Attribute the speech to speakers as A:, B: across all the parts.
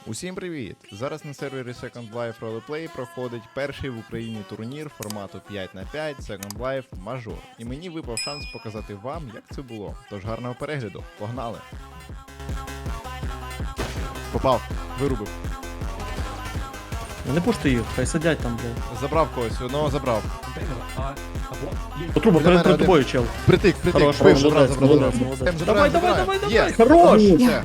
A: Усім привіт! Зараз на сервері Second Life Roleplay проходить перший в Україні турнір формату 5х5 Second Life Major. І мені випав шанс показати вам, як це було. Тож гарного перегляду, погнали! Попав, вирубив.
B: Не пушти їх, хай сидять там, блядь.
A: Забрав когось, одного забрав.
B: По трубу,
A: Біля мене
B: перед
A: один.
B: тобою, чел.
A: Притик,
B: Хорош,
A: вбив,
B: молодець,
A: забрав.
B: молодець, молодець.
A: Забираємо,
B: Давай,
A: забираємо.
B: давай.
A: Є.
B: Хорош!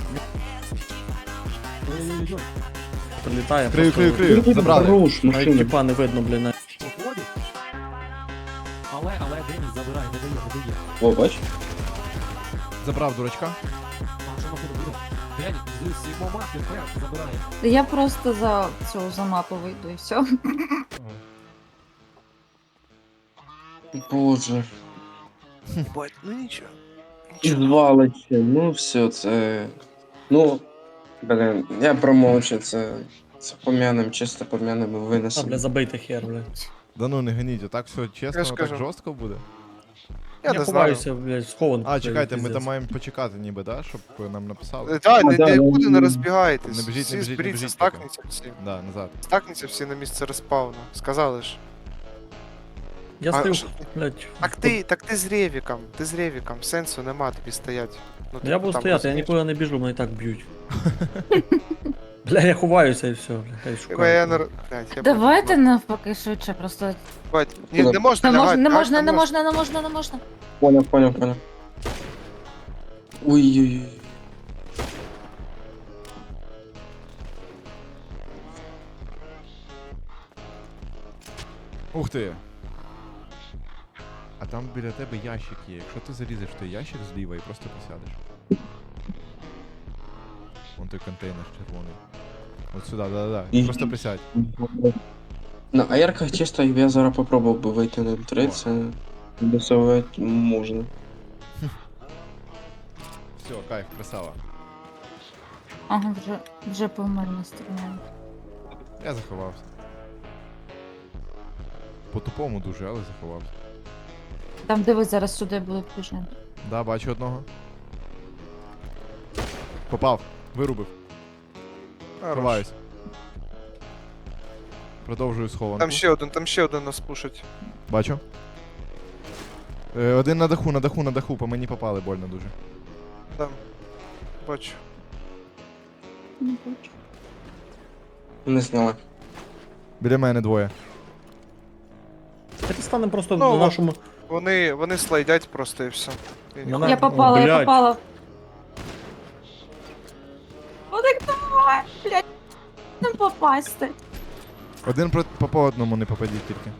A: Все,
B: Прилітає.
A: крию, забрали.
C: Хорош,
B: Навіть
C: машина.
B: тіпа не видно, блін.
D: Але Денис забирає, не дає.
C: О, бач?
A: Забрав дурачка.
D: А що машина буде? Денис, з сімома тепер забирає.
E: Я просто за мапу вийду і все.
C: Боже.
F: Бать, ну нічого.
C: І звалище, ну все, це... Ну, блин, я промовчу, це пом'яним, чисто пом'яним
B: А,
C: винесемо.
B: бля, забийте хер, блядь.
A: Да ну не ганіть, отак все чесно,
F: Я ж
A: так
F: кажу.
A: жорстко буде.
F: Я
B: Я
F: не знаю.
B: ховаюся, блядь, схован.
A: А, чекайте, ми там маємо почекати ніби, да, щоб нам написали.
F: Так,
C: да,
F: нікуди не
C: ну,
F: розбігайтесь.
A: не біжіть,
F: Всі
A: не біжіть, не
F: зберіться,
A: біжіть
F: стакніться всі.
A: Да, назад.
F: Стакніться всі на місце респауну. Сказали ж.
B: Я
F: А,
B: стою,
F: що-
B: блядь.
F: Так ти з Ревіком, сенсу нема тобі стоять. Ну,
B: Я
F: типу,
B: буду
F: там
B: стояти, я
F: розумієш?
B: нікуди не біжу, мене і так б'ють. Бля, я ховаюся і все, бля, хай
F: Типа, я не...
B: шукаю.
F: Блядь, я
E: Давайте
F: бачу.
E: навпаки швидше, просто
F: Бать, ні, не можна
E: не
F: лягати,
E: можна,
F: так?
E: не можна.
C: Понял. Ой-ой-ой.
A: Ух ти! А там біля тебе ящик є. Якщо ти залізеш в той ящик зліва і просто посядеш. Вон той контейнер червоний. От сюди, да.
C: І-
A: Просто присядь.
C: На аерках чисто я зараз попробував би вийти на М3,
A: О.
C: це досовувати можна.
A: Все, кайф, красава.
E: Ага, вже помирно стріляють.
A: Я заховався. По-тупому дуже, але заховався.
E: Там дивись, зараз сюди будуть біжати.
A: Да, бачу одного. Попав, вирубив.
F: Хорош.
A: Ховаюсь. Продовжую схованку.
F: Там ще один нас пушить.
A: Бачу. Один на даху, по мені попали больно дуже.
F: Там. Бачу.
E: Не хочу.
C: Не знала.
A: Біля мене двоє.
B: Давайте станемо просто
F: Ну,
B: на нашому...
F: Вони слайдять просто і все. І ніхуя.
B: Мене-
E: Я попала,
B: блядь.
E: О, так давай, блядь. Не попасти.
A: Один по одному не попадіть тільки.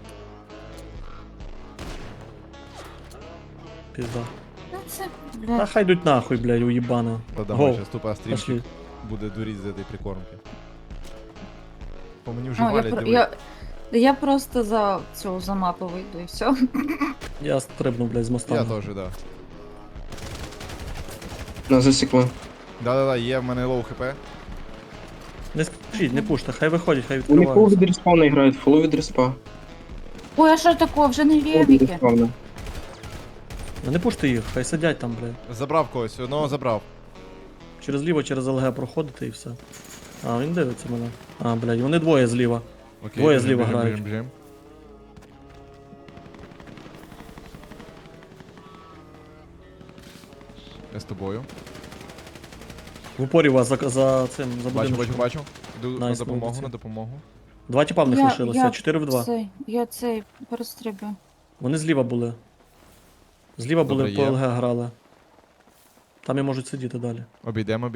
B: Пізда.
E: Ну це,
B: Та
E: блядь.
B: хай йдуть нахуй, блядь, уїбана.
A: Та
B: Гол.
A: давай, зараз тупо стрімчик
B: Пошли.
A: буде дуріть з цієї прикормки. По мені вже
E: Ну,
A: валять, диви.
E: я просто за мапу вийду і все.
B: Я стрибну, блядь, з моста.
A: Я теж, да.
C: На засікло.
A: Да, є в мене лоу хп.
B: Не скажіть, не пуште, хай виходять, хай
C: Вони фул
B: відкриваються.
C: від респауна грають, фул від респа.
E: Ой, а що такого? Вже не
C: Фул від
E: ревіки.
C: респауна.
B: Не пуште їх, хай сидять там, блядь.
A: Забрав когось, одного забрав.
B: Через ліво, через ЛГ проходити і все. А, він дивиться мене. А, блядь, вони двоє зліва.
A: Окей,
B: Двоє
A: біжим,
B: зліва
A: біжим,
B: грають.
A: біжим. Я з тобою.
B: В упорі вас за цим, за
A: Бачу.
B: будиночком.
A: Йду
B: Найс,
A: на допомогу,
B: молодці.
A: на допомогу.
B: Два тіпа в них лишилося, 4 в 2.
E: Я цей перестрибую.
B: Вони зліва були. Зліва були,
A: Добре,
B: по
A: є.
B: ЛГ грали. Там і можуть сидіти далі.
A: Обійдемо.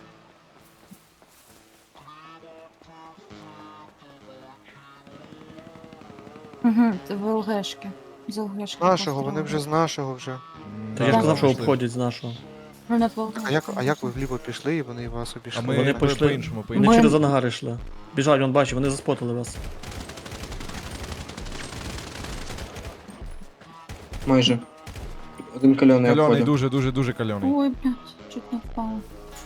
E: Угу, в ЛГшки. З ЛГшки.
F: Нашого, вони вже з нашого вже.
B: Та я ж
E: Так.
B: казав, що
A: Пішли.
B: обходять з нашого.
E: Вони в
F: А як ви вліво пішли і вони вас обійшли?
A: А ми
B: Вони
A: по-
B: пішли-
A: по-іншому,
B: Вони
E: Ми-
B: через ангари йшли. Біжать, вон бачив, вони заспотили вас.
C: Майже. Один кальоний
A: Кальоний,
C: обходив.
A: дуже кальоний.
E: Ой, блядь, чуть не впала.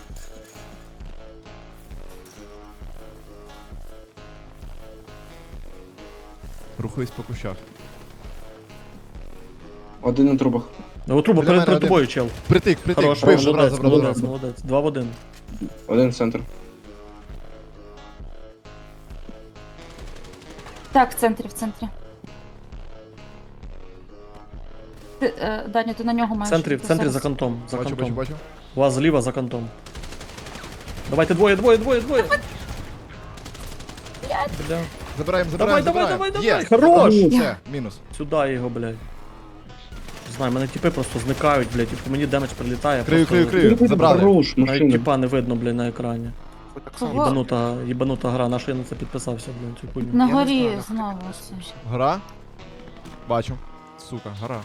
A: Рухаюсь по кущах.
C: Один на трубах.
B: Ну, труба
A: Біля мене
B: перед
A: один.
B: тобою, чел.
A: Притик,
B: Хорош,
A: вбив, забрав.
B: молодець. 2 в 1.
C: Один центр.
E: Так, в центрі, в центрі. Даня, ти на нього
B: В
E: маєш.
B: центрі, в
E: бути
B: центрі
E: зараз.
B: за кантом. За
A: Бачу, бачу,
B: кантом.
A: бачу.
B: У вас зліва за кантом. Давайте двоє. Бля.
A: Забираємо,
B: Давай,
A: забираємо.
B: давай.
A: Є.
B: Хорош!
A: Все, мінус.
B: Сюди його, блядь. Не знаю, мене тіпи просто зникають, блядь, і по мені демедж прилітає.
A: Крию,
B: просто
A: крию. Забрали.
C: Хорош,
B: Навіть
C: машина.
B: тіпа не видно, блядь, на екрані.
F: Ви так
E: Кого?
F: само.
B: Їбанута гра, на що я на це підписався, блядь, цю хуйню.
E: На
F: Я не
E: горі
F: знаю,
E: знову
F: нахуй
E: це.
F: підписався.
A: Гора? Бачу. Сука, гора.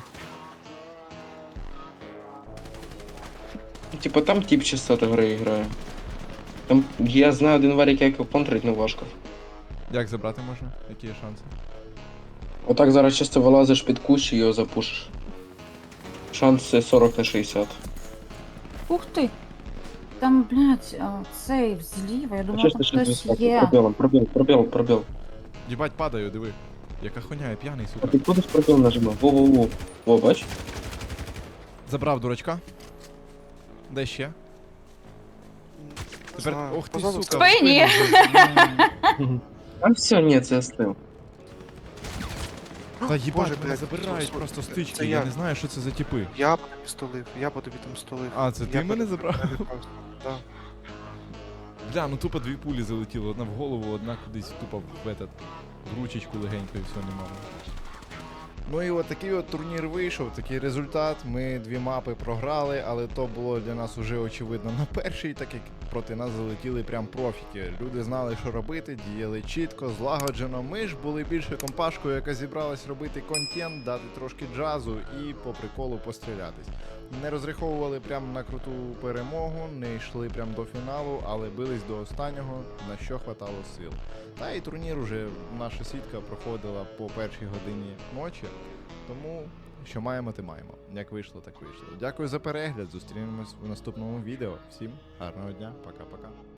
C: Типа там тип частоти гри грає. Там я знаю один варік, як його контрить, не важко.
A: Як забрати можна? Які є шанси?
C: Отак зараз чисто вилазиш під кущ і його запушиш. Шанси 40 на 60.
E: Ух ти! Там, блядь, цей зліва, я думала,
C: Чисто
E: там хтось
C: 60.
E: є.
C: Пробіл.
A: Їбать, падаю, диви. Яка хуйня, я п'яний,
C: А
A: сука.
C: ти кудись пробіл нажимав? Во. Во, бач?
A: Забрав дурачка. Де ще?
F: Не
A: Тепер,
F: знаю.
A: ох ти,
F: Позаду
A: сука.
F: став.
A: в
E: Спині.
A: спину.
C: А все, ні, це я стив.
A: Та їбать,
F: Боже,
A: мене
F: блядь,
A: забирають
F: це-
A: просто
F: це
A: стички,
F: я.
A: я не знаю, що це за типи.
F: Я по тобі столив, я по тобі там столив.
A: А, це ти
F: Я по
A: мене
F: тобі
A: забрав?
F: прилітав. Да.
A: Бля, ну тупо дві пулі залетіло, одна в голову, одна кудись тупо в этот, в ручечку легенько і все нема. Ну і от такий от турнір вийшов, такий результат. Ми дві мапи програли, але то було для нас уже очевидно на першій, так як проти нас залетіли прям профіки. Люди знали, що робити, діяли чітко, злагоджено. Ми ж були більше компашкою, яка зібралась робити контент, дати трошки джазу і по приколу пострілятись. Не розраховували прям на круту перемогу, не йшли прям до фіналу, але бились до останнього, на що хватало сил. Та і турнір уже наша сітка проходила по першій годині ночі, тому що маємо, те маємо. Як вийшло, так вийшло. Дякую за перегляд, зустрінемось в наступному відео. Всім гарного дня, пока-пока.